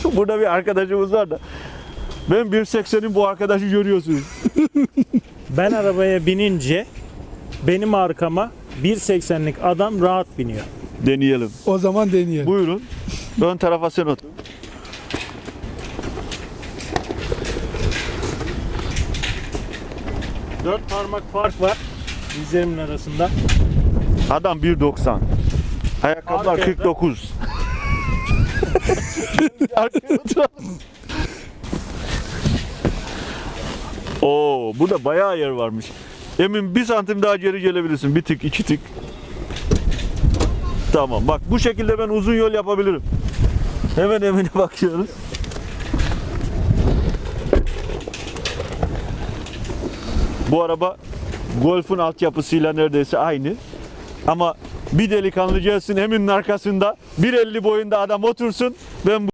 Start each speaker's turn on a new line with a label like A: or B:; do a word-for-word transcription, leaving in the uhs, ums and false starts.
A: Burada bir arkadaşımız var da. Ben bir seksenin bu arkadaşı görüyorsunuz.
B: Ben arabaya binince benim arkama bir seksenlik adam rahat biniyor.
A: Deneyelim.
C: O zaman deneyelim.
A: Buyurun. Ön tarafa sen otur.
B: Dört parmak fark var dizlerimin arasında.
A: Adam bir doksan. Ayakkabılar
B: Arkaya
A: kırk dokuz. Arkaya oturalım. Oo, burada bayağı yer varmış. Emin bir santim daha geri gelebilirsin. Bir tık, iki tık. Tamam. Bak bu şekilde ben uzun yol yapabilirim. Hemen Emin'e bakıyoruz. Bu araba Golf'un altyapısıyla neredeyse aynı. Ama bir delikanlı gelsin Emin'in arkasında bir elli boyunda adam otursun. Ben bu